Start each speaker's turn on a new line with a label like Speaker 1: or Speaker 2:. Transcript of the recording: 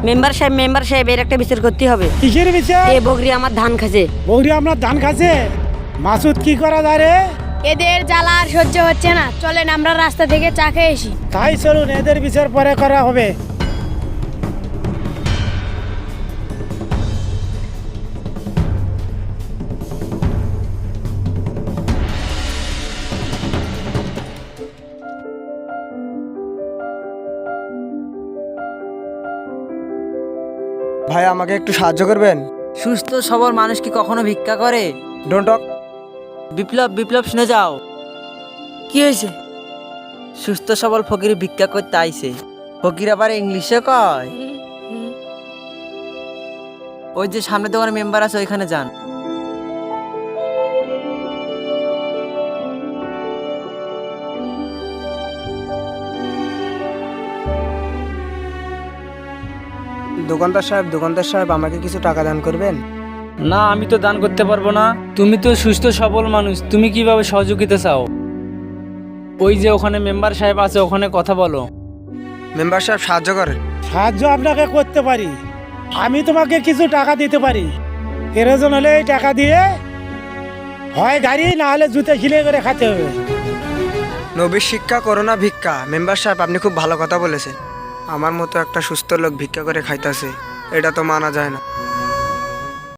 Speaker 1: Member সাহেব এর একটা বিচার করতে হবে।
Speaker 2: কিসের বিচার?
Speaker 1: এ বগরি আমার ধান খাচ্ছে।
Speaker 2: বৌরি আপনার ধান খাচ্ছে? মাসুদ কি করা যায় রে?
Speaker 3: এদের জ্বালা আর সহ্য হচ্ছে না, চলেন আমরা রাস্তা থেকে চা খেয়ে আসি।
Speaker 2: তাই চলুন, এদের বিচার পরে করা হবে।
Speaker 4: ভাই আমাকে একটু সাহায্য করবেন?
Speaker 5: সুস্থ সবল মানুষ কি কখনো ভিক্ষা করে?
Speaker 4: Don't talk.
Speaker 5: বিপ্লব শুনে যাও।
Speaker 1: কি হয়েছে?
Speaker 5: সুস্থ সবল ফকির ভিক্ষা করতে আইছে। ফকির আবার ইংলিশে কয়। ওই যে সামনে দোকানে মেম্বার আছে, ওইখানে যান।
Speaker 4: দোকানদার সাহেব আমাকে কিছু টাকা দান করবেন?
Speaker 6: না, আমি তো দান করতে পারবো না। তুমি তো সুস্থ সবল মানুষ, তুমি কিভাবে সহযোগিতা চাও? ওই যে ওখানে মেম্বার সাহেব আছে, ওখানে কথা বলো।
Speaker 4: মেম্বার সাহেব সাহায্য করেন।
Speaker 2: সাহায্য আপনাকে করতে পারি, আমি তোমাকে কিছু টাকা দিতে পারি। প্রয়োজন হলে এই টাকা দিয়ে হয় গাড়ি না হলে জুতে খিলে করে খেতে হবে।
Speaker 4: নবীর শিক্ষা করোনা ভিক্ষা। মেম্বার সাহেব আপনি খুব ভালো কথা বলেছেন। আমার মতো একটা সুস্থ লোক ভিক্ষা করে খাইতেছে, এটা তো মানা যায় না।